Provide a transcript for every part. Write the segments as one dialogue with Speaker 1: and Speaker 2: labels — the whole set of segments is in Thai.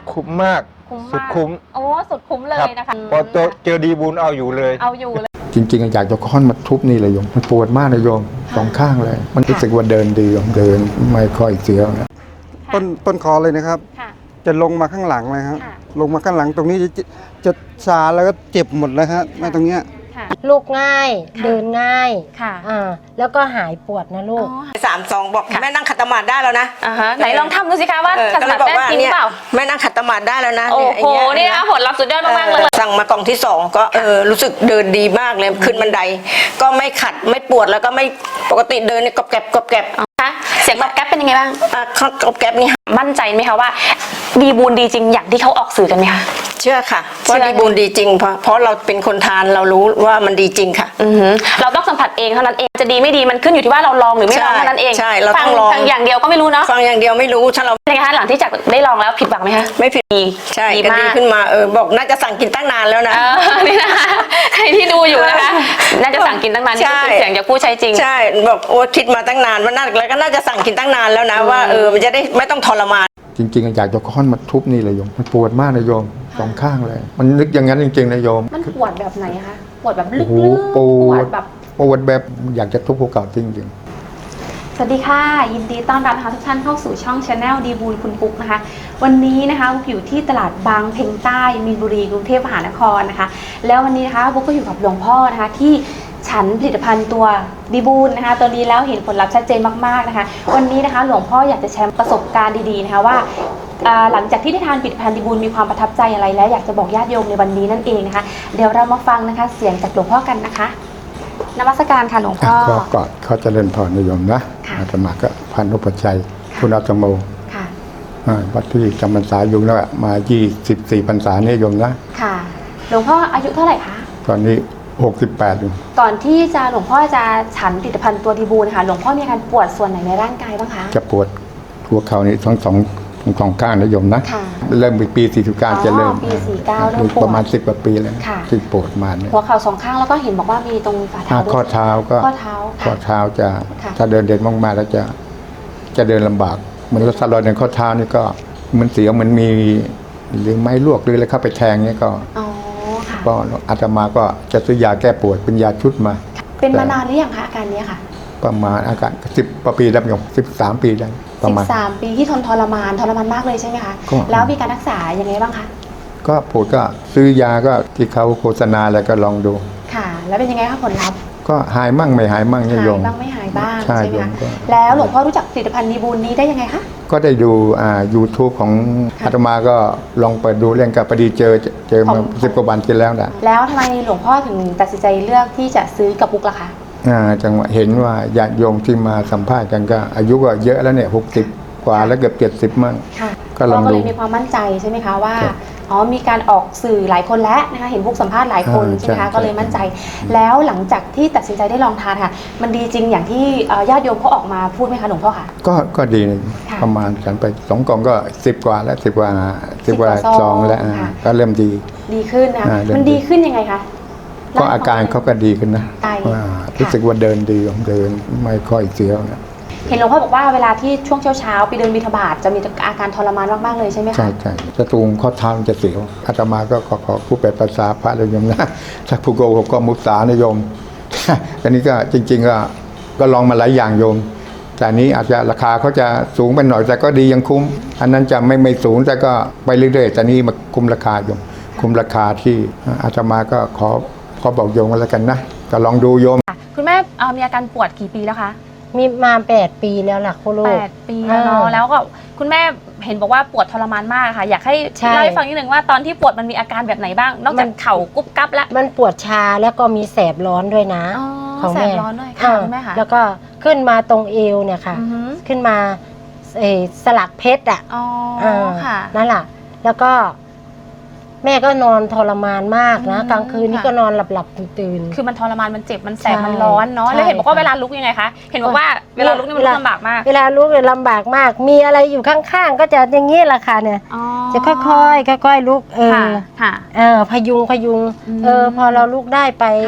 Speaker 1: คุ้มมากสุดคุ้ม
Speaker 2: โอ้สุดคุ้มเลยนะคะ
Speaker 1: พอเจอดีบุญเอาอยู่เลย
Speaker 3: จริงๆอยากจะค้อนมาทุบนี่เลยโยมมันปวดมากเลยโยมสองข้างเลยมันรู้สึกว่าเดินดีโยมเดินไม่ค่อยเสียวนะ
Speaker 4: ต้นคอเลยนะครับจะลงมาข้างหลังเลยครับลงมาข้างหลังตรงนี้จะชาแล้วก็เจ็บหมดเลยครับตรงเนี้ย
Speaker 5: ลูกง่ายเดินง่ายแล้วก็หายปวดนะลูก
Speaker 6: 3-2บอกแม่นั่งขัดสมาธิได้แล้วนะ
Speaker 2: ไหนลองทำดูสิคะว่าขัดสมาธิได้จริงเปล่า
Speaker 6: แม่นั่งขัดสมาธิได้แล้วนะ
Speaker 2: โอ้โหนี่นะผลลัพธ์สุดยอดมากเลย
Speaker 6: สั่งมากล่องที่2ก็รู้สึกเดินดีมากเลยขึ้นบันไดก็ไม่ขัดไม่ปวดแล้วก็ไม่ปกติเดินเนี่ยกรอบแกรบกรอบแกรบ
Speaker 2: เสียงกรอบแกรบเป็นยังไงบ้าง
Speaker 6: กรอบแกรบนี่
Speaker 2: มั่นใจไหมคะว่าดีบูนดีจริงอย่างที่เขาออกสื่อกันไหมคะ
Speaker 6: เชื่อค่ะว่าดีบูนดีจริงเพราะเราเป็นคนทานเรารู้ว่ามันดีจริงค่ะ
Speaker 2: เราต้องสัมผัสเองเท่านั้นเองจะดีไม่ดีมันขึ้นอยู่ที่ว่าเราลองหรือไม่ลองเท่านั้นเอง
Speaker 6: ใช่เราต้องลอง
Speaker 2: ฟังอย่างเดียวก็ไม่รู้เนาะ
Speaker 6: ฟังอย่างเดียวไม่รู้ถ้าเรา
Speaker 2: เป็นไงคะหลังที่จากได้ลองแล้วผิดหวังไหมคะ
Speaker 6: ไม่ผิดใช่ก็ดีขึ้นมาบอกน่าจะสั่งกินตั้งนานแล้วนะ
Speaker 2: นี่นะคะใครที่ดูอยู่นะคะน่าจะสั่งกินตั้งนานนี่ก็เป็นเสียงจากผู้ใช้จริง
Speaker 6: ใช่บอกโอ้คิดมาตั้งนานว่าน่าแล้วก็น่าจะสั่งกินตั้งนานแล้วนะว่ามันจะได้ไม่ต้องทรมาน
Speaker 3: จริงๆอยากจะค้อนมาทุบนี่เลยโยมมันปวดมากเลยโยมสองข้างเลยมันนึกอย่างนั้นจริงๆนะโยม
Speaker 2: มันปวดแบบไหนคะปวดแบบลึก
Speaker 3: ๆปวดแบบอยากจะทุบภูเขาจริง
Speaker 2: สวัสดีค่ะยินดีต้อนรับทุกท่านเข้าสู่ช่อง Channel ดีบูลคุณปุ๊กนะคะวันนี้นะคะบุ๊กอยู่ที่ตลาดบางเพ็งใต้มีนบุรีกรุงเทพมหานครนะคะแล้ววันนี้นะคะบุ๊กก็อยู่กับหลวงพ่อนะคะที่ฉันผลิตภัณฑ์ตัวดีบูลนะคะตัวนี้แล้วเห็นผลลัพธ์ชัดเจนมากๆนะคะวันนี้นะคะหลวงพ่ออยากจะแชร์ประสบการณ์ดีๆนะคะว่าหลังจากที่ได้ทานผลิตภัณฑ์ดีบูลมีความประทับใจอะไรและอยากจะบอกญาติโยมในวันนี้นั่นเองนะคะเดี๋ยวเรามาฟังนะคะเสียงจากหลวงพ่อกันนะคะนมัสการค่ะหลวงพ่อ
Speaker 3: ก็เขาจะเล่นพรนิยมนะอาตมาก็พันธุปชัยคุณอาตโมวัดที่จำพรรษาอยู่แล้วมา24พรรษาเนี่ยโยมนะ
Speaker 2: ค่ะหลวงพ่ออายุเท่าไหร่คะ
Speaker 3: ตอนนี้68อยู่
Speaker 2: ก่อนที่จะหลวงพ่อจะฉันผลิตภัณฑ์ตัวดีบูลนะคะหลวงพ่อมีอาการปวดส่วนไหนในร่างกายบ้างคะ
Speaker 3: จะปวดหัวเข่านี่ทั้งสองข้างนะโยมนะเริ่มปี49จะเริ่ม
Speaker 2: ปี49เริ่มปวด
Speaker 3: ประมาณ10 กว่าปีแล้วที่ปวดมาเนี่ย
Speaker 2: หัวเข่า2ข้างแล้วก็เห็นบอกว่ามีตรงฝ่าเท้า
Speaker 3: ข้อเท้าก็ข้อเท้าจะถ้าเดินมากๆแล้วจะเดินลำบากเหมือนรถสลอยในข้อเท้านี่ก็เหมือนเสียวเหมือนมีหรือไม้ลวกหรืออะไรเข้าไปแทงเนี่ยก็อาตมาก็จะซื้อยาแก้ปวดเป็นยาชุดมา
Speaker 2: เป็นมานานหรือยังคะอาการนี้ค่ะ
Speaker 3: ประมาณอาการ10 กว่าปีแล้วโยม13 ปีได้ประมาณ
Speaker 2: 13 ปีที่ทรมานมากเลยใช่ไหมคะแล้วมีการรักษายังไงบ้างคะ
Speaker 3: ก็ปวดก็ซื้อยาก็ที่เขาโฆษณาแล้วก็ลองดู
Speaker 2: ค่ะแล้วเป็นยังไงคะผลลัพธ์
Speaker 3: ก็หายมั่งไม่หายมั่งเนี่ยโยม
Speaker 2: บ้างไม่หายบ้างใช่ไหมคะแล้วหลวงพ่อรู้จักผลิตภัณฑ์ดีบูลนี้ได้ยังไงคะ
Speaker 3: ก็ได้ดูYouTube ของอาตมาก็ลองเปิดดูเรื่องกับพอดีเจอมา10 กว่าวันที่แล้วนะ
Speaker 2: แล้วทำไมหลวงพ่อถึงตัดสินใจเลือกที่จะซื้อกับปุ๊กล่ะคะ
Speaker 3: จังหวะเห็นว่าญาติโยมที่มาสัมภาษณ์กันก็อายุก็เยอะแล้วเนี่ย60 กว่าแล้วเกือบ70มั่ง
Speaker 2: ก็ลองดูก็เลยมีความมั่นใจใช่ไหมคะว่ามีการออกสื่อหลายคนแล้วนะคะเห็นบุ๊กสัมภาษณ์หลายคนใช่ไหมคะก็เลยมั่นใจแล้วหลังจากที่ตัดสินใจได้ลองทานค่ะมันดีจริงอย่างที่ญาติโยมเขาออกมาพูดไหมคะหลวงพ่อค่ะ
Speaker 3: ก็ดีประมาณฉันไป2 กล่องก็10 กว่าแล้ว10 กว่าซองแล้วก็เริ่ม
Speaker 2: ดีขึ้นนะมันดีขึ้นยังไงคะ
Speaker 3: ก็อาการเขาก็ดีขึ้นนะรู้สึกว่าเดินดีเดินไม่ค่อยเสียวนะ
Speaker 2: เห็นหลวงพ่อบอกว่าเวลาที่ช่วงเช้าไปเดินบิณฑบาตจะมีอาการทรมานมากๆเลยใช่ไหมคะ
Speaker 3: ใช่จะตูงข้อเท้าจะเสียวอาตมาก็ขอผู้แปลภาษาพระเลยโยมนะถ้าผู้โกหกก็มุสานะโยมอันนี้ก็จริงๆก็ลองมาหลายอย่างโยมแต่นี้อาจจะราคาเขาจะสูงไปหน่อยแต่ก็ดียังคุ้มอันนั้นจะไม่สูงแต่ก็ไปเรื่อยๆแต่นี้มาคุ้มราคาโยมคุ้มราคาที่อาตมาก็ขอบอกโยมกันแล้วกันนะก็ลองดูโยม
Speaker 2: คุณแม่มีอาการปวดกี่ปีแล้วคะ
Speaker 5: มีมา8 ปีแล้วล่ะคุณลูก
Speaker 2: 8 ปีแล้วเนาะแล้วก็คุณแม่เห็นบอกว่าปวดทรมานมากค่ะอยากให้เล่าให้ฟังนิดนึงว่าตอนที่ปวดมันมีอาการแบบไหนบ้างนอกจากเข่ากุ๊บกั๊บแล้ว
Speaker 5: มันปวดชาแล้วก็มีแสบร้อนด้วยนะ
Speaker 2: แสบร้อนด้วยค่ะคุณแม่ค่ะ
Speaker 5: แล้วก็ขึ้นมาตรงเอวเนี่ยค่ะขึ้นมาสลักเพชร
Speaker 2: ค่ะ
Speaker 5: นั่นแหละแล้วก็แม่ก็นอนทรมานมากนะกลางคืนนี่ก็นอนหลับตื่น
Speaker 2: คือมันทรมานมันเจ็บมันแสบมันร้อนเนาะแล้วเห็นบอกว่าเวลาลุกยังไงคะเห็นบอกว่าเวลาลุกนี่มันลำบากมาก
Speaker 5: เวลาลุกเนี่ยลำบากมากมีอะไรอยู่ข้างๆก็จะอย่างนี้แหละค่ะเนี่ยจะค่อยๆลุกพยุงพอเราลุกได้ไป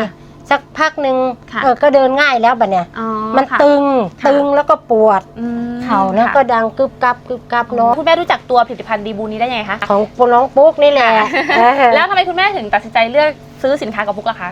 Speaker 5: สักพักหนึ่ง
Speaker 2: ค่ะ
Speaker 5: ก็เดินง่ายแล้วบัดเนี่ย
Speaker 2: อ๋อ
Speaker 5: มัน
Speaker 2: ค่ะ
Speaker 5: ตึง
Speaker 2: ค่ะ
Speaker 5: ตึงแล้วก็ปวด
Speaker 2: อืม
Speaker 5: เข่าแล้ว
Speaker 2: ค่ะ
Speaker 5: ก็ดังกึบกับเนาะ
Speaker 2: คุณแม่รู้จักตัวผลิตภัณฑ์ดีบูนี้ได้ยังไงคะ
Speaker 5: ของน้องปุ๊กนี่แหละเออ
Speaker 2: แล้วทำไมคุณแม่ถึงตัดสินใจเลือกซื้อสินค้ากับพุกล่ะคะ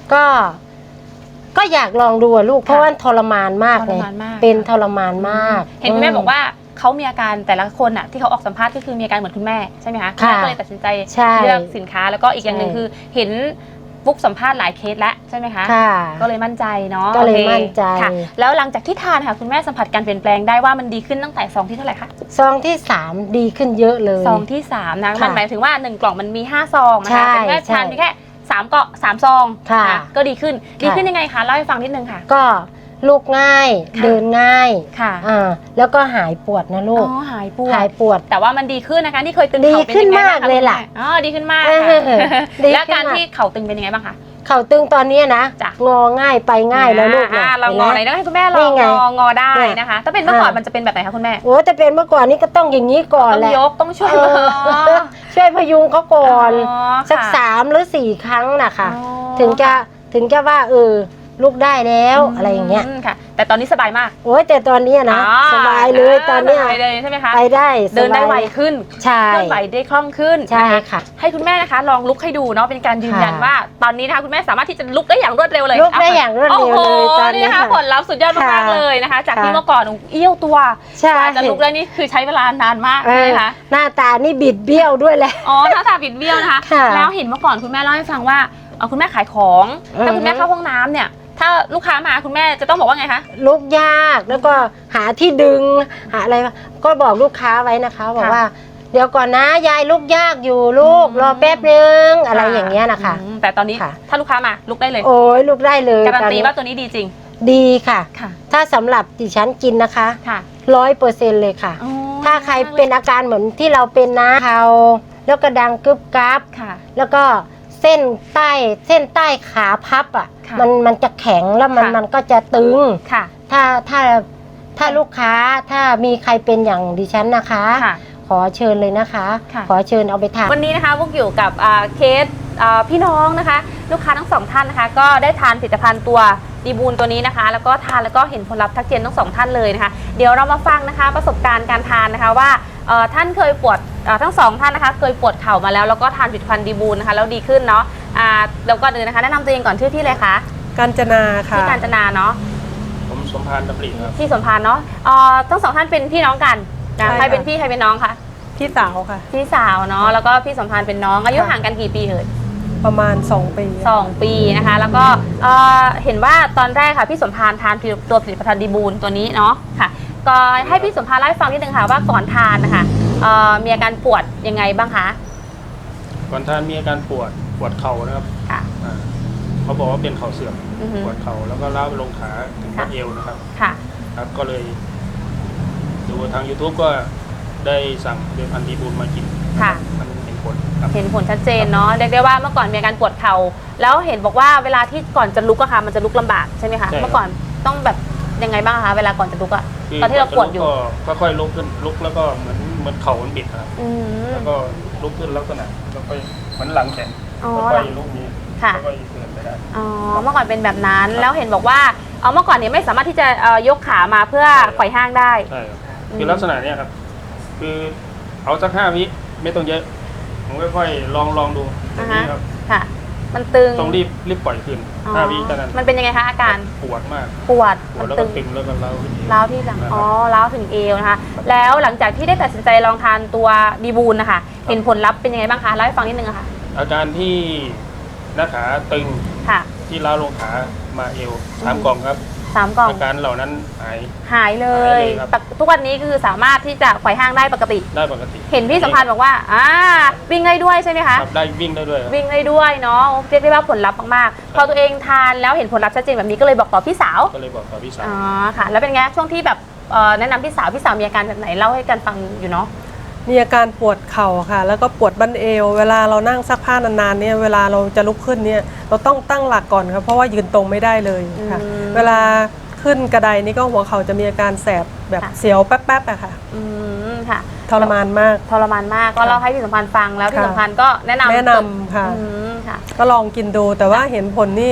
Speaker 5: ก็อยากลองดูอะลูกเพราะว่าทรมานมาก
Speaker 2: ท
Speaker 5: เล
Speaker 2: ร
Speaker 5: ย
Speaker 2: มานมาก
Speaker 5: เป็นทรมานมาก
Speaker 2: เห็นคุณแม่บอกว่าเขามีอาการแต่ละคนอ่ะที่เขาออกสัมภาษณ์ก็คือมีอาการเหมือนคุณแม่ใช่ไหมคะณ
Speaker 5: ค่ะ
Speaker 2: แม่ก็เลยตัดสินใจ
Speaker 5: ใช่
Speaker 2: เลือกสินค้าแล้วก็อีกอย่างหนึ่ง
Speaker 5: ใช่
Speaker 2: คือเห็นฟุกสัมภาษณ์หลายเคสแล้วใช่ไหมคะ
Speaker 5: ค่ะ
Speaker 2: ก็เลยมั่นใจเนาะ
Speaker 5: ก็เลย
Speaker 2: โอค
Speaker 5: มั่นใจ
Speaker 2: ค่ะ แล้วหลังจากที่ทานค่ะคุณแม่สัมผัสการเปลี่ยนแปลงได้ว่ามันดีขึ้นตั้งแต่ซองที่เท่าไหร่คะ
Speaker 5: ซองที่ 3 ดีขึ้นเยอะเลย
Speaker 2: ซองที่3นะ
Speaker 5: ค่ะ
Speaker 2: มันหมายถึงว่า1กล่องมันมี5ซองนะ
Speaker 5: ใช่
Speaker 2: คะแต่คุณแม่
Speaker 5: ใช่
Speaker 2: ทานเพียงแค่3ซอง
Speaker 5: ค่ะ
Speaker 2: นก็ดีขึ้น
Speaker 5: ค่ะ
Speaker 2: ดีขึ้นยังไงคะเล่าให้ฟังนิดนึงค่ะ
Speaker 5: ก็ลูกง่าย
Speaker 2: ค่ะ
Speaker 5: เดินง่าย
Speaker 2: ค่ะ
Speaker 5: แล้วก็หายปวดนะลูก
Speaker 2: อ๋อหายปว
Speaker 5: หาย
Speaker 2: ด
Speaker 5: ปวด
Speaker 2: แต่ว่ามันดีขึ้นนะคะที่เคยตึง
Speaker 5: ดี
Speaker 2: เข่าเป็น
Speaker 5: ขึ้น
Speaker 2: ยังไงบ้าง
Speaker 5: มาก
Speaker 2: คะ
Speaker 5: เลยล่ะ
Speaker 2: คุณแม่อ๋อดีขึ้นมาก
Speaker 5: เอ
Speaker 2: ค่ะ
Speaker 5: อดี
Speaker 2: แล้ว
Speaker 5: ขึ้น
Speaker 2: การ
Speaker 5: มาก
Speaker 2: ที่เข่าตึงเป็นยังไงบ้างคะ
Speaker 5: เข่าตึงตอนนี้นะ
Speaker 2: จ้ะ
Speaker 5: งอง่ายไปง่ายแล้วลูกนะ
Speaker 2: เรางอไหน
Speaker 5: ห็น
Speaker 2: ต้
Speaker 5: ไหม
Speaker 2: องให้คุณแม่ล
Speaker 5: นี่
Speaker 2: อง
Speaker 5: ไง
Speaker 2: งอได้
Speaker 5: เนี่ย
Speaker 2: นะคะ ถ้าเป็นเมื่อก่อน
Speaker 5: อ่ามั
Speaker 2: มันจะเป็นแบบไหนคะคุณแม่
Speaker 5: โอ้แต่เป็นเมื่อก่อนนี้ก็ต้องอย่างนี้ก่อน
Speaker 2: ต้อง
Speaker 5: แหละ
Speaker 2: ยกต้องช่วย
Speaker 5: เออช่วยพยุงเขาก่อน
Speaker 2: อ๋อ
Speaker 5: สัก
Speaker 2: ค่ะ
Speaker 5: 3 หรือ 4 ครั้งนะคะ
Speaker 2: อ๋อ
Speaker 5: ถึงจะว่าลูกได้แล้วอะไรอย่างเงี้ย
Speaker 2: ค่ะ แต่ตอนนี้สบายมาก
Speaker 5: โอ้ยแต่ตอนเนี้ยนะ
Speaker 2: อ๋อ
Speaker 5: สบายเลยตอนเนี้ย
Speaker 2: สบายเลยใช่ไหมคะ
Speaker 5: ไปได้สบาย
Speaker 2: เดินได้ไวขึ้น
Speaker 5: ใช่
Speaker 2: เคลื่อนไหวได้คล่องขึ้น
Speaker 5: ใช่
Speaker 2: น
Speaker 5: ค่ะ
Speaker 2: ให้คุณแม่นะคะลองลุกให้ดูเนาะเป็นการยืนยัน
Speaker 5: ค่ะ
Speaker 2: ว่าตอนนี้นะคะคุณแม่สามารถที่จะลุกได้อย่างรวดเร็วเลย
Speaker 5: ลุกได้อย่างรวดเร็วเลย
Speaker 2: โอ้โห
Speaker 5: ตอนนี้
Speaker 2: นี่นะคะ
Speaker 5: ค่ะ
Speaker 2: ผลลัพธ์สุดยอดมาก
Speaker 5: ค่ะ
Speaker 2: ๆเลยนะคะ จากที่
Speaker 5: ค่ะ
Speaker 2: เมื่อก่อนเอี้ยวตัว
Speaker 5: ใช่
Speaker 2: กว่าจะลุกได้นี่คือใช้เวลานานมาก
Speaker 5: เอ
Speaker 2: ใช่ไห
Speaker 5: อ
Speaker 2: มคะ
Speaker 5: หน้าตานี่บิดเบี้ยวด้วยแหละ
Speaker 2: อ๋อหน้าตาบิดเบี้ยวนะคะ
Speaker 5: ค่ะ
Speaker 2: แล้วเห็นเมื่อก่อนคุณแม่เล่าให้ฟังว่าคุณแม่ขายของ ถ้าคุณแม่เข้าห้องน้ำเนี่ย ถ้าลูกค้ามาคุณแม่จะต้องบอกว่าไงคะ
Speaker 5: ลุกยากแล้วก็หาที่ดึงหาอะไรก็บอกลูกค้าไว้นะคะบอกว่า เดี๋ยวก่อนนะยายลุกยากอยู่ลูกรอแป๊บนึงอะไรอย่างเงี้ยนะคะ
Speaker 2: แต่ตอนนี้
Speaker 5: ค่ะ
Speaker 2: ถ้าลูกค้ามาลุกได้เลย
Speaker 5: โอ้ยลุกได้เลย
Speaker 2: การันตี
Speaker 5: ตอ
Speaker 2: ว่าตัวนี้ดีจริง
Speaker 5: ดีค่ะ
Speaker 2: ค่ะ
Speaker 5: ถ้าสำหรับดิฉันกินนะคะ
Speaker 2: ค่ะ
Speaker 5: 100%เลยค่ะ
Speaker 2: อ๋อ
Speaker 5: ถ้าใครเป็นอาการเหมือนที่เราเป็นนะเขาแล้วก็ดังกึบกับ
Speaker 2: ค่ะ
Speaker 5: แล้วก็เส้นใต้ขาพับอ่ะ
Speaker 2: ค่ะ
Speaker 5: มันจะแข็งแล้ว
Speaker 2: ค่ะ
Speaker 5: มันก็จะตึง
Speaker 2: ค่ะ
Speaker 5: ถ้าลูกค้าถ้ามีใครเป็นอย่างดิฉันนะคะ
Speaker 2: ค่ะ
Speaker 5: ขอเชิญเลยนะคะ
Speaker 2: ค่ะ
Speaker 5: ขอเชิญเอาไปทาน
Speaker 2: วันนี้นะคะพวกอยู่กับเคสพี่น้องนะคะ ลูกค้าทั้งสองท่านนะคะ ก็ได้ทานผลิตภัณฑ์ตัวดีบูลตัวนี้นะคะ แล้วก็ทานแล้วก็เห็นผลลัพธ์ทักเจนทั้งสองท่านเลยนะคะ เดี๋ยวเรามาฟังนะคะประสบการณ์การทานนะคะว่าท่านเคยปวดทั้งสองท่านนะคะ เคยปวดเข่ามาแล้วแล้วก็ทานผลิตภัณฑ์ดีบูลนะคะแล้วดีขึ้นเนาะแล้วก็เดินนะคะแนะนำตัวเองก่อนชื่อที่เลยคะ
Speaker 7: กาญจนาค่ะ
Speaker 2: ที่กาญจนาเนาะ
Speaker 8: ผมสมพานดำริครับ
Speaker 2: ที่สมพานเนาะทั้งสองท่านเป็นพี่น้องกันนะ
Speaker 7: ใช่ค่ะ
Speaker 2: ใครเป็นพี่ใครเป็นน้องคะ
Speaker 7: พี่สาวค่ะ
Speaker 2: พี่สาวเนาะแล้วก็พี่สมพานเป็นน้องอายุห่างกันกี่ปีเอ่ย
Speaker 7: ประมาณ 2 ปี
Speaker 2: 2 ปีนะคะแล้วก็เห็นว่าตอนแรกค่ะพี่สมพานทานตัวผลิตภัณฑ์ดีบูลตัวนี้เนาะค่ะก็ให้พี่สมพานเล่าให้ฟังนิดนึงค่ะว่าก่อนทานนะคะมีอาการปวดยังไงบ้างคะ
Speaker 8: ก่อนท่านมีอาการปวดเข่านะครับ
Speaker 2: ค่ะ
Speaker 8: เขาบอกว่าเป็นเข่าเสื่อม
Speaker 2: อือฮึ
Speaker 8: ปวดเข่าแล้วก็ล้าวไปลงขาถึง
Speaker 2: ค่ะ
Speaker 8: บัดเอวนะครับ
Speaker 2: ค่ะ
Speaker 8: ครับ ก็เลยดูทาง YouTube ก็ได้สั่งเดือนพันธุ์ดีบูลมากิน
Speaker 2: ค่ะ
Speaker 8: มันเห็นผลครับ
Speaker 2: เห็นผลชัดเจนเนาะเรียกได้ว่าเมื่อก่อนมีอาการปวดเข่าแล้วเห็นบอกว่าเวลาที่ก่อนจะลุกอะค่ะมันจะลุกลำบากใช่ไหมคะ
Speaker 8: ใช่ครับ
Speaker 2: เมื่อก่อนต้องแบบยังไงบ้างคะเวลาก่อนจะลุกอะ
Speaker 8: คื
Speaker 2: ตอนที่เราปวดอยู่
Speaker 8: ก็ค่อยลุกขึ้นลุกแล้วก็เหมือนเข่ามันบิดนะครับ
Speaker 2: อืม
Speaker 8: แล้วก็ลุกขึ้นลักษณะแล้วก็เหมือนหลังแข็ง
Speaker 2: อ๋อ
Speaker 8: แล้วก็ลุกนี้
Speaker 2: ค่ะ
Speaker 8: แล้วก็เดินไปได้
Speaker 2: อ๋อเมื่อก่อนเป็นแบบนั้นแล้วเห็นบอกว่าเมื่อก่อนเนี่ยไม่สามารถที่จะยกขามาเพื่อไขว่ห้างได้
Speaker 8: ใช่ครับคือลักษณะเนี้ยครับ คือเอาสัก5 วิไม่ต้องเยอะ ผมค่อยๆลองดูตรงนี้ครับ
Speaker 2: ค่ะ มันตึง
Speaker 8: ต้องรีบปล่อยคืน
Speaker 2: อ๋อ
Speaker 8: 5 วิเท่านั้น
Speaker 2: มันเป็นยังไงคะอาการ
Speaker 8: ปวดมาก
Speaker 2: ปวด
Speaker 8: ปวดแล้ว
Speaker 2: ตึ
Speaker 8: ก็
Speaker 2: ง
Speaker 8: ตึงแล้วก็เล้าขึ้นเอง
Speaker 2: ร้าวที่หลัง
Speaker 8: นะครับ
Speaker 2: อ๋อร้าวถึงเอวนะคะ แล้วหลังจากที่ได้ตัดสินใจลองทานตัวดีบูลนะคะเห็นผลลัพธ์เป็นยังไงบ้างคะเล่าให้ฟังนิดนึงอะค่ะ
Speaker 8: อาการที่หน้าขาตึง
Speaker 2: ค่ะ
Speaker 8: ที่ล้าวลงขามาเอว3 กล่องครับ
Speaker 2: 3 กล่อง
Speaker 8: อาการเหล่านั้นหาย
Speaker 2: หายเล
Speaker 8: หาย ยเลยครับ
Speaker 2: ทุกวันนี้คือสามารถที่จะไขว่ห้างได้ปกติ
Speaker 8: ได้ปกติ
Speaker 2: เห็นพี่สัมพันธ์บอกว่าวิ่งได้ด้วยใช่ไหมคะ
Speaker 8: ครับได้วิ่งได้ด้วยครับ
Speaker 2: วิ่งได้ด้วยเนาะเรียกได้ว่าผลลัพธ์มากๆพอตัวเองทานแล้วเห็นผลลัพธ์ชัดเจนแบบนี้ก็เลยบอกต่อพี่สาว
Speaker 8: ก็เลยบอกกับพี่สาว
Speaker 2: อ๋อค่ะ แล้วเป็นไงช่วงที่แบบแนะนำพี่สาวมีอาการแบบไหนเล่าให้กันฟังอยู่เนาะ
Speaker 7: มีอาการปวดเข่าค่ะ แล้วก็ปวดบั้นเอว เวลาเรานั่งซักผ้านานๆเนี่ยเวลาเราจะลุกขึ้นเนี่ยเราต้องตั้งหลักก่อนครับเพราะว่ายืนตรงไม่ได้เลยค่ะ
Speaker 2: อืม
Speaker 7: เวลาขึ้นกระไดนี่ก็หัวเข่าจะมีอาการแสบแบบ
Speaker 2: ค่ะ
Speaker 7: เสียวแป๊บๆอะค่ะ
Speaker 2: ค่ะ
Speaker 7: ทรมานมาก
Speaker 2: ทรมานมากก็เล่าให้พี่สัมพันธ์ฟังแล้วพี่
Speaker 7: ค่ะ
Speaker 2: สัมพันธ์ก็แนะนำ
Speaker 7: แนะนำค่ะ
Speaker 2: ค่ะ
Speaker 7: ก็ลองกินดูแต่ว่าเห็นผลนี่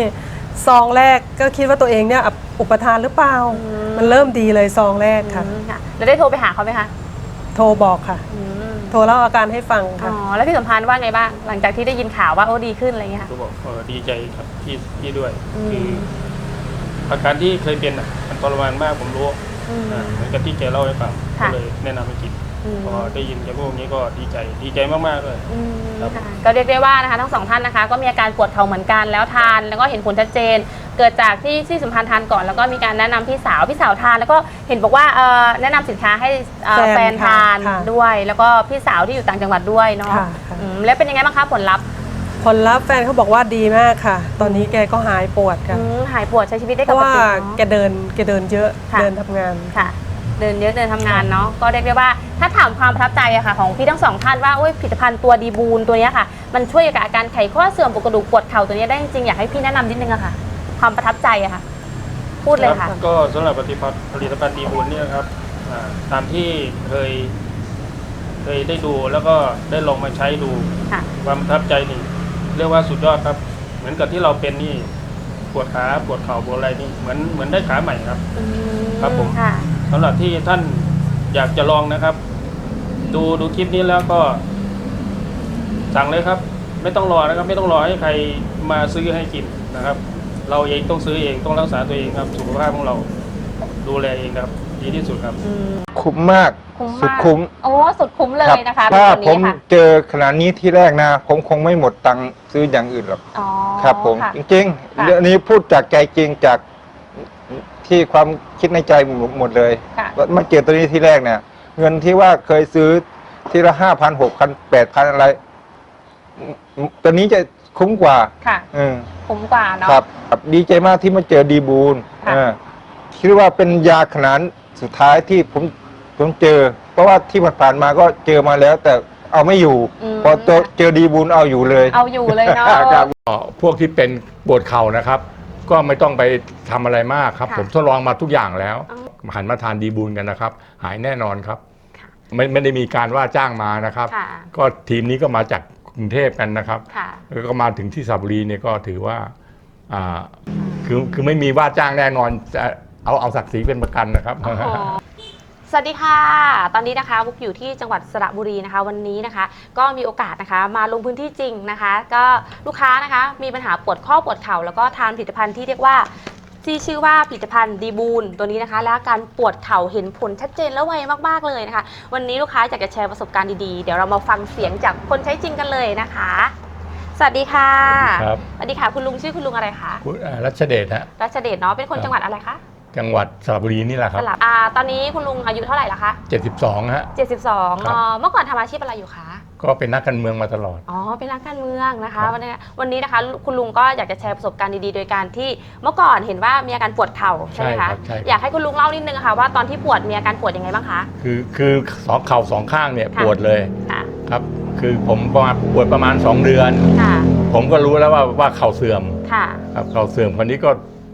Speaker 7: ซองแรกก็คิดว่าตัวเองเนี่ยอุปทานหรือเปล่า มันเริ่มดีเลยซองแรกค่ะ
Speaker 2: ค่ะแล้วได้โทรไปหาเขาไหมคะ
Speaker 7: โทรบอกค่ะ โทรเล่าอาการให้ฟัง
Speaker 2: อ๋
Speaker 7: ค่ะ
Speaker 2: อแล้วพี่สัมพันธ์ว่าไงบ้างหลังจากที่ได้ยินข่าวว่าโอ้ดีขึ้นอะไรเงี้ยค่ะ
Speaker 8: ก็บอกดีใจครับที่ด้วย คืออาการที่เคยเป็นมันทรมานมากผมรู้เหมือนกับที่แกเล่าให้ฟังก็เลยแนะนำให้กินพอได้ยินแกพูดอย่างนี้ก็ดีใจมากๆเลยครับ
Speaker 2: ค่ะก็เรียกได้ว่านะคะทั้งสองท่านนะคะก็มีอาการปวดเข่าเหมือนกันแล้วทานแล้วก็เห็นผลชัดเจน เกิดจากที่สัมพันธ์ทานก่อนแล้วก็มีการแนะนำพี่สาวทานแล้วก็เห็นบอกว่าแนะนำสินค้าให้แฟนทาน
Speaker 7: ค่ะ
Speaker 2: ด้วย แล้วก็พี่สาวที่อยู่ต่างจังหวัดด้วยเนาะ
Speaker 7: ค่ะ
Speaker 2: แล้วเป็นยังไงบ้างคะผลลัพธ์
Speaker 7: ผลลัพธ์แฟนเขาบอกว่าดีมากค่ะ ตอนนี้แกก็หายปวดค่ะ
Speaker 2: หายปวดใช้ชีวิตได้
Speaker 7: เพ
Speaker 2: ป
Speaker 7: ราะ
Speaker 2: ก
Speaker 7: ว่า
Speaker 2: ติ
Speaker 7: แกเดินเยอะ
Speaker 2: ค่ะ
Speaker 7: เดินทำงาน
Speaker 2: ค่ะ เดินเยอะเดินทำงานเนาะก็เรียกได้ว่าถ้าถามความประทับใจอะค่ะของพี่ทั้งสองท่านว่าผลิตภัณฑ์ตัวดีบูนตัวเนี้ยค่ะมันช่วยกับอาการไขข้อเสื่อมปวดกระดูกปวดเข่าตัวเนี้ยได้จริงๆอยากให้พี่แนะนำนิดนึงอะค่ะ ความประทับใจอะค่ะ พูดเลยค่ะ
Speaker 8: ก็สำหรับผลิตภัณฑ์ดีบุญเนี่ยครับตามที่เคยได้ดูแล้วก็ได้ลองมาใช้ดู
Speaker 2: ค่ะ
Speaker 8: ความประทับใจนี่เรียกว่าสุดยอดครับ เหมือนกับที่เราเป็นนี่ปวดขาปวดเข่าปวดอะไรนี่เหมือนได้ขาใหม่ครับ ครับผม
Speaker 2: ค่ะ
Speaker 8: สำหรับที่ท่านอยากจะลองนะครับ ดูคลิปนี้แล้วก็สั่งเลยครับ ไม่ต้องรอนะครับ ไม่ต้องรอให้ใครมาซื้อให้กินนะครับ เราเองต้องซื้อเองต้องรักษาตัวเองครับ สุขภาพของเราดูแลเองครับ ดีที่สุดครับ
Speaker 1: คุ้มมาก
Speaker 2: คุ้ม
Speaker 1: สุด
Speaker 2: มาก
Speaker 1: คุ้ม
Speaker 2: โอ้สุดคุ้มเลยนะคะ
Speaker 1: ถ้า
Speaker 2: เป็นตัว
Speaker 1: ผม
Speaker 2: นี้ค่ะ
Speaker 1: เจอขนาดนี้ที่แรกนะ ผมคงไม่หมดตังค์ซื้ออย่างอื่นหรอก
Speaker 2: อ๋อ
Speaker 1: ครับ ผม
Speaker 2: ค่ะ
Speaker 1: จริง
Speaker 2: ค่ะ
Speaker 1: ๆเรื่องนี้พูดจากใจจริงจากที่ความคิดในใจหมดเลย
Speaker 2: ค่ะ
Speaker 1: มาเจอตัวนี้ที่แรกเนี่ย เงินที่ว่าเคยซื้อทีละ5,000 6,000 8,000อะไรตัวนี้จะคุ้มกว่า
Speaker 2: ค่ะ คุ้มกว่าเนาะ
Speaker 1: ครับดีใจมากที่มาเจอดีบูล
Speaker 2: ค่ะ
Speaker 1: คิดว่าเป็นยาขนาดสุดท้ายที่ผมเจอ เพราะว่าที่ผ่านๆมาก็เจอมาแล้ว แต่เอาไม่อยู่ พอเจอดีบูลเอาอยู่เลย
Speaker 2: เอาอยู่เลยเนาะ
Speaker 1: ครับ
Speaker 9: พวกที่เป็นปวดเข่านะครับ ก็ไม่ต้องไปทำอะไรมากครับ
Speaker 2: ค่ะ
Speaker 9: ผมทดลองมาทุกอย่างแล้ว
Speaker 2: อ๋
Speaker 9: หันมาทานดีบูลกันนะครับ หายแน่นอนครับ
Speaker 2: ค่ะ
Speaker 9: ไม่ได้มีการว่าจ้างมานะครับ
Speaker 2: ค่ะ
Speaker 9: ก็ทีมนี้ก็มาจากกรุงเทพกันนะครับ
Speaker 2: ค่ะ
Speaker 9: แล้วก็มาถึงที่สระบุรีเนี่ยก็ถือว่าคือไม่มีว่าจ้างแน่นอนจะเอาศักดิ์ศรีเป็นประกันนะครับ
Speaker 2: โอ้โหสวัสดีค่ะ ตอนนี้นะคะบุ๊กอยู่ที่จังหวัดสระบุรีนะคะ วันนี้นะคะ ก็มีโอกาสนะคะ มาลงพื้นที่จริงนะคะ ก็ลูกค้านะคะ มีปัญหาปวดข้อปวดเข่าแล้วก็ทานผลิตภัณฑ์ที่เรียกว่าที่ชื่อว่าผลิตภัณฑ์ดีบูลตัวนี้นะคะ และอาการปวดเข่าเห็นผลชัดเจนและไวมากๆเลยนะคะ วันนี้ลูกค้าอยากจะแชร์ประสบการณ์ดีๆเดี๋ยวเรามาฟังเสียงจากคนใช้จริงกันเลยนะคะ สวัสดีค่ะ
Speaker 9: ครับ
Speaker 2: สวัสดีค่ะคุณลุงชื่อคุณลุงอะไรคะ
Speaker 9: คุณรัชเดชฮะ
Speaker 2: รัชเดชเนาะเป็นคนจังหวัดอะไรคะ
Speaker 9: จังหวัดสระบุรีนี่แหละค
Speaker 2: ส
Speaker 9: รับ
Speaker 2: ลับตอนนี้คุณลุงอายุเท่าไหร่ละคะ
Speaker 9: 72ฮะ
Speaker 2: 72
Speaker 9: ครับ
Speaker 2: เมื่อก่อนทำอาชีพอะไรอยู่คะ
Speaker 9: ก็เป็นนักการเมืองมาตลอด
Speaker 2: อ๋อ เป็นนักการเมืองนะคะ
Speaker 9: ครับ
Speaker 2: วันนี้นะคะ คุณลุงก็อยากจะแชร์ประสบการณ์ดีๆ โดยการที่เมื่อก่อนเห็นว่ามีอาการปวดเข่าใช่ไหมคะ
Speaker 9: ใช่ครับ
Speaker 2: อยากให้คุณลุงเล่านิดนึงค่ะว่าตอนที่ปวดมีอาการปวดยังไงบ้างคะ
Speaker 9: คือสองเข่าสองข้างเนี่ย
Speaker 2: ค่ะ
Speaker 9: ปวดเลย
Speaker 2: ค่ะ
Speaker 9: ครับ คือผมปวดประมาณ2 เดือน
Speaker 2: ค่ะ
Speaker 9: ผมก็รู้แล้วว่าเข่าเสื่อม
Speaker 2: ค่ะ
Speaker 9: ครับเข่าเสื่อมคนนี้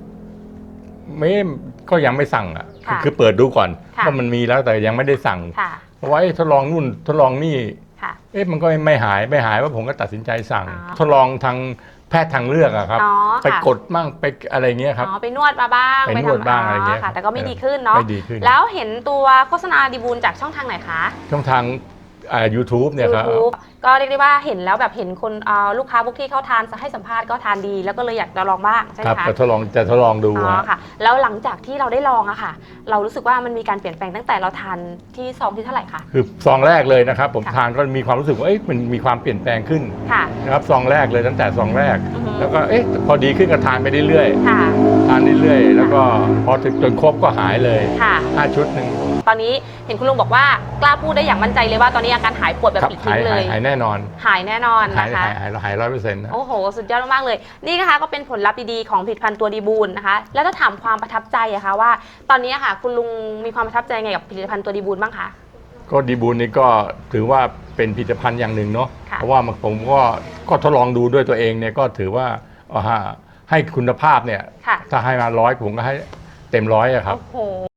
Speaker 9: ก็ยังไม่สั่งอ่ะ
Speaker 2: ค่ะ
Speaker 9: คือเปิดดูก่อน
Speaker 2: ค่ะ
Speaker 9: ว่ามันมีแล้วแต่ยังไม่ได้สั่ง
Speaker 2: ค่ะ
Speaker 9: เพราะว่าทดลองนู่นทดลองนี่
Speaker 2: ค่ะ
Speaker 9: มันก็ไม่หายว่าผมก็ตัดสินใจสั่ง
Speaker 2: อ๋อ
Speaker 9: ทดลองทางแพทย์ทางเลือกอะครับ
Speaker 2: อ๋อ
Speaker 9: ไป
Speaker 2: ค่ะ
Speaker 9: กดมั่งไปอะไรเงี้ยครับ
Speaker 2: อ๋อ ไปนวดมาบ้าง
Speaker 9: ไปนวดบ้างอะไรเงี้ย
Speaker 2: ค่ะ แต่ก็ไม่ดีขึ้นเนาะ
Speaker 9: ไม่ดีขึ้น
Speaker 2: แล้วเห็นตัวโฆษณาดีบูลจากช่องทางไหนคะ
Speaker 9: ช่องทางYouTube เนี่ยครับ
Speaker 2: YouTube ก็เรียกได้ว่าเห็นแล้วแบบเห็นคนลูกค้าพวกที่เขาทานให้สัมภาษณ์ก็ทานดี แล้วก็เลยอยากจะลองบ้างใช่ไห
Speaker 9: ค
Speaker 2: ม
Speaker 9: รับ
Speaker 2: คะ
Speaker 9: จะทดลองดู
Speaker 2: อ๋อ
Speaker 9: ฮะ
Speaker 2: ค่ะ แล้วหลังจากที่เราได้ลองอะค่ะ เรารู้สึกว่ามันมีการเปลี่ยนแปลงตั้งแต่เราทานที่ซองที่เท่าไหร่คะ
Speaker 9: คือซองแรกเลยนะครับ ผม
Speaker 2: ค่ะ
Speaker 9: ทานก็มีความรู้สึกว่ามันมีความเปลี่ยนแปลงขึ้น
Speaker 2: ค่ะ
Speaker 9: นะครับซองแรกเลยตั้งแต่ซองแรก
Speaker 2: อือฮึ
Speaker 9: แล้วก็พอดีขึ้นก็ทานไปเรื่อย
Speaker 2: ค่ะ
Speaker 9: ๆทานเรื่อยๆแล้วก็พอถึงจนครบก็หายเลย
Speaker 2: ค่ะ
Speaker 9: 5 ชุดหนึ่ง
Speaker 2: ตอนนี้เห็นคุณลุงบอกว่ากล้าพูดได้อย่างมั่นใจเลยว่าตอนนี้อาการหายปวดแบบ
Speaker 9: ครับ
Speaker 2: ปลิดทิ้งเลย
Speaker 9: หายแน่นอน
Speaker 2: หายแน่นอน
Speaker 9: หาย
Speaker 2: นะคะ
Speaker 9: 100%นะ
Speaker 2: โอ้โห สุดยอดมากๆเลย นี่นะคะก็เป็นผลลัพธ์ดีๆของผลิตภัณฑ์ตัวดีบูลนะคะ แล้วถ้าถามความประทับใจอะคะว่า ตอนนี้อะค่ะ คุณลุงมีความประทับใจไงกับผลิตภัณฑ์ตัวดีบูลบ้างคะ
Speaker 9: ก็ดีบูลนี่ก็ถือว่าเป็นผลิตภัณฑ์อย่างหนึ่งเนาะ
Speaker 2: ค่ะ
Speaker 9: เพราะว่าผมก็ทดลองดูด้วยตัวเองเนี่ยก็ถือว่าให้คุณภาพเนี่ย
Speaker 2: ค่ะ
Speaker 9: ถ้าให้มา100ผมก็ให้เต็ม100อะครับ
Speaker 2: โอ้โห